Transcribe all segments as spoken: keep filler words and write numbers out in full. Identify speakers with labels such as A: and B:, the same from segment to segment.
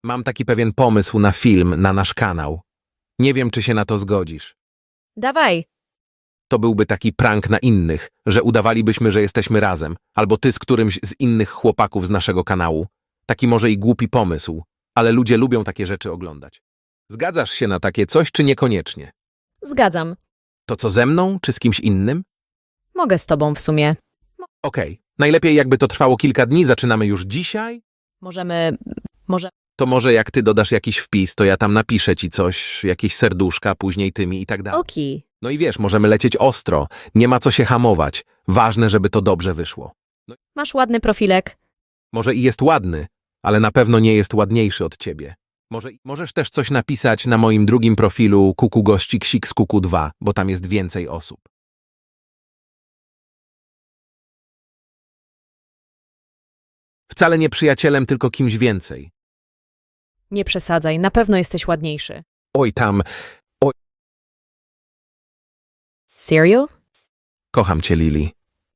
A: Mam taki pewien pomysł na film na nasz kanał. Nie wiem, czy się na to zgodzisz.
B: Dawaj.
A: To byłby taki prank na innych, że udawalibyśmy, że jesteśmy razem, albo ty z którymś z innych chłopaków z naszego kanału. Taki może i głupi pomysł, ale ludzie lubią takie rzeczy oglądać. Zgadzasz się na takie coś, czy niekoniecznie?
B: Zgadzam.
A: To co ze mną, czy z kimś innym?
B: Mogę z tobą w sumie.
A: Okej, najlepiej jakby to trwało kilka dni, zaczynamy już dzisiaj?
B: Możemy... Może...
A: To może jak ty dodasz jakiś wpis, to ja tam napiszę ci coś, jakieś serduszka, później tymi i tak dalej.
B: Oki.
A: No i wiesz, możemy lecieć ostro, nie ma co się hamować. Ważne, żeby to dobrze wyszło.
B: Masz ładny profilek.
A: Może i jest ładny, ale na pewno nie jest ładniejszy od ciebie. Może, możesz też coś napisać na moim drugim profilu Kuku Gościk Sik z Kuku dwa, bo tam jest więcej osób. Wcale nie przyjacielem, tylko kimś więcej.
B: Nie przesadzaj, na pewno jesteś ładniejszy.
A: Oj tam,
B: Serio?
A: kocham cię, Lili.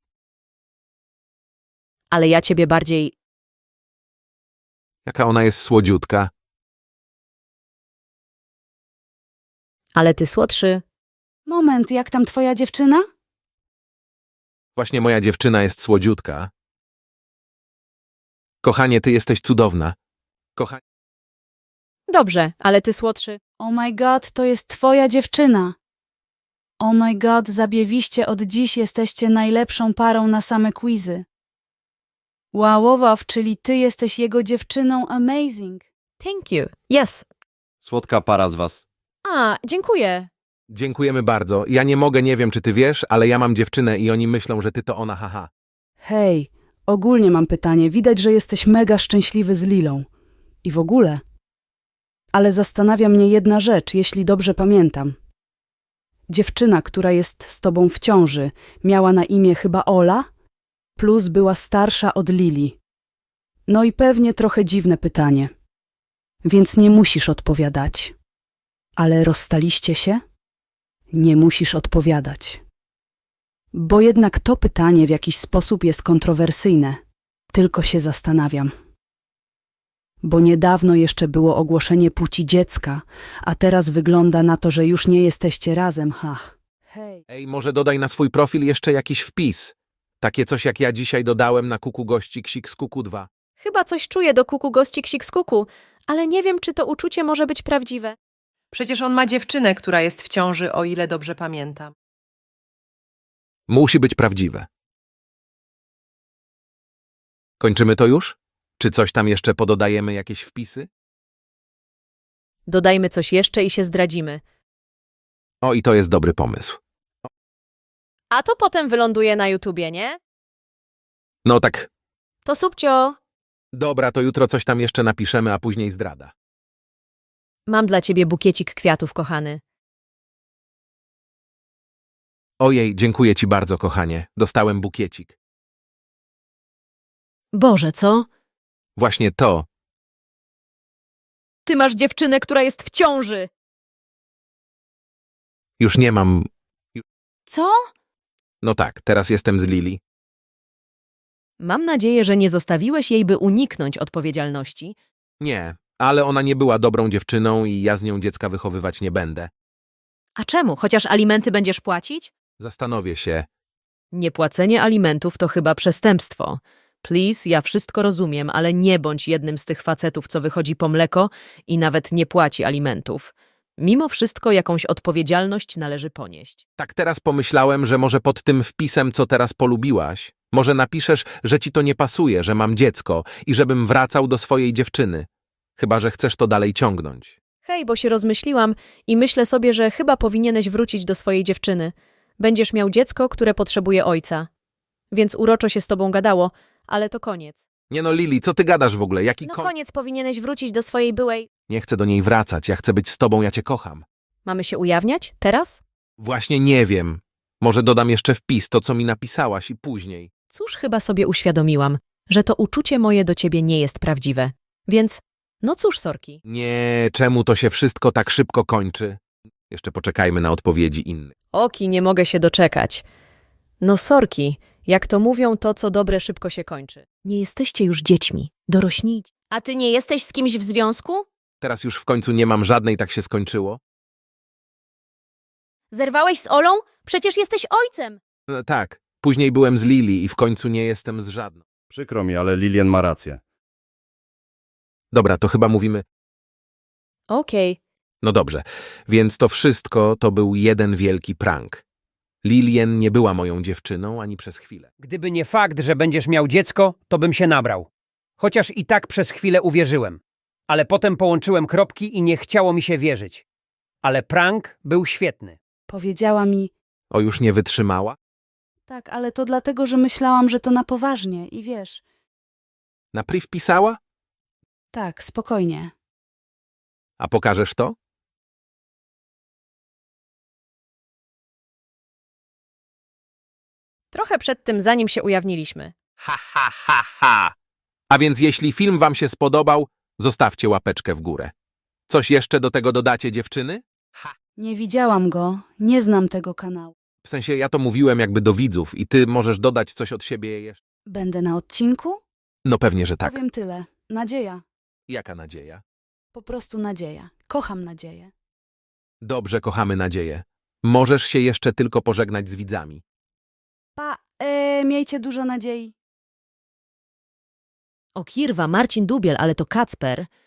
B: Ale ja ciebie bardziej...
A: Jaka ona jest słodziutka.
B: Ale ty słodszy.
C: Moment, jak tam twoja dziewczyna?
A: Właśnie moja dziewczyna jest słodziutka. Kochanie, ty jesteś cudowna. Kochanie.
B: Dobrze, ale ty słodszy.
C: Oh my god, to jest twoja dziewczyna. Oh my god, zabiewiście, od dziś jesteście najlepszą parą na same quizy. Wow, wow, wow, czyli ty jesteś jego dziewczyną, amazing.
B: Thank you. Yes.
D: Słodka para z was.
B: A, dziękuję.
A: Dziękujemy bardzo. Ja nie mogę, nie wiem, czy ty wiesz, ale ja mam dziewczynę i oni myślą, że ty to ona, haha.
C: Hej, ogólnie mam pytanie, widać, że jesteś mega szczęśliwy z Lilą. I w ogóle. Ale zastanawia mnie jedna rzecz, jeśli dobrze pamiętam. Dziewczyna, która jest z tobą w ciąży, miała na imię chyba Ola, plus była starsza od Lili. No i pewnie trochę dziwne pytanie. Więc nie musisz odpowiadać. Ale rozstaliście się? Nie musisz odpowiadać. Bo jednak to pytanie w jakiś sposób jest kontrowersyjne. Tylko się zastanawiam. Bo niedawno jeszcze było ogłoszenie płci dziecka, a teraz wygląda na to, że już nie jesteście razem, ha. Hej.
A: Ej, może dodaj na swój profil jeszcze jakiś wpis. Takie coś, jak ja dzisiaj dodałem na Kuku Gościk Sik z Kuku dwa.
B: Chyba coś czuję do kuku gościk sik z kuku, ale nie wiem, czy to uczucie może być prawdziwe.
E: Przecież on ma dziewczynę, która jest w ciąży, o ile dobrze pamiętam.
A: Musi być prawdziwe. Kończymy to już? Czy coś tam jeszcze pododajemy, jakieś wpisy?
B: Dodajmy coś jeszcze i się zdradzimy.
A: O, i to jest dobry pomysł.
B: A to potem wyląduje na YouTubie, nie?
A: No tak,
B: To subcio.
A: dobra, to jutro coś tam jeszcze napiszemy, a później zdrada.
B: Mam dla ciebie bukiecik kwiatów, kochany.
A: Ojej, dziękuję ci bardzo, kochanie. Dostałem bukiecik.
B: Boże, co?
A: Właśnie to.
B: Ty masz dziewczynę, która jest w ciąży.
A: Już nie mam...
C: Co?
A: No tak, teraz jestem z Lili.
B: Mam nadzieję, że nie zostawiłeś jej, by uniknąć odpowiedzialności.
A: Nie, ale ona nie była dobrą dziewczyną i ja z nią dziecka wychowywać nie będę.
B: A czemu? Chociaż alimenty będziesz płacić?
A: Zastanowię się.
B: Niepłacenie alimentów to chyba przestępstwo. Please, ja wszystko rozumiem, ale nie bądź jednym z tych facetów, co wychodzi po mleko i nawet nie płaci alimentów. Mimo wszystko jakąś odpowiedzialność należy ponieść.
A: Tak teraz pomyślałem, że może pod tym wpisem, co teraz polubiłaś, może napiszesz, że ci to nie pasuje, że mam dziecko i żebym wracał do swojej dziewczyny. Chyba że chcesz to dalej ciągnąć.
B: Hej, bo się rozmyśliłam i myślę sobie, że chyba powinieneś wrócić do swojej dziewczyny. Będziesz miał dziecko, które potrzebuje ojca. Więc uroczo się z tobą gadało, ale to koniec.
A: Nie no, Lili, co ty gadasz w ogóle? Jaki
B: No
A: kon...
B: koniec, powinieneś wrócić do swojej byłej...
A: Nie chcę do niej wracać, ja chcę być z tobą, ja cię kocham.
B: Mamy się ujawniać? Teraz?
A: Właśnie nie wiem. Może dodam jeszcze wpis, to co mi napisałaś i później.
B: Cóż, chyba sobie uświadomiłam, że to uczucie moje do ciebie nie jest prawdziwe. Więc, no cóż, sorki.
A: Nie, czemu to się wszystko tak szybko kończy? Jeszcze poczekajmy na odpowiedzi innych.
B: Oki, nie mogę się doczekać. No sorki, jak to mówią, to co dobre szybko się kończy. Nie jesteście już dziećmi. Dorośnijcie.
F: A ty nie jesteś z kimś w związku?
A: Teraz już w końcu nie mam żadnej, tak się skończyło.
F: Zerwałeś z Olą? Przecież jesteś ojcem.
A: E, tak, później byłem z Lili i w końcu nie jestem z żadną.
D: Przykro mi, ale Lilian ma rację.
A: Dobra, to chyba mówimy...
B: Okej.
A: No dobrze, więc to wszystko to był jeden wielki prank. Lilien nie była moją dziewczyną ani przez chwilę.
G: Gdyby nie fakt, że będziesz miał dziecko, to bym się nabrał. Chociaż i tak przez chwilę uwierzyłem. Ale potem połączyłem kropki i nie chciało mi się wierzyć. Ale prank był świetny.
C: Powiedziała mi,
A: O, już nie wytrzymała?
C: tak, ale to dlatego, że myślałam, że to na poważnie i wiesz,
A: Na priv pisała?
C: tak, spokojnie.
A: A pokażesz to?
B: Trochę przed tym, zanim się ujawniliśmy.
A: Ha, ha, ha, ha! A więc jeśli film wam się spodobał, zostawcie łapeczkę w górę. Coś jeszcze do tego dodacie, dziewczyny?
C: Nie widziałam go, nie znam tego kanału.
A: W sensie ja to mówiłem jakby do widzów i ty możesz dodać coś od siebie jeszcze.
C: Będę na odcinku?
A: No pewnie, że tak.
C: Powiem tyle. Nadzieja.
A: Jaka nadzieja?
C: Po prostu nadzieja. Kocham nadzieję.
A: Dobrze, kochamy nadzieję. Możesz się jeszcze tylko pożegnać z widzami.
C: Pa, e, miejcie dużo nadziei.
B: O kirwa, Marcin Dubiel, ale to Kacper.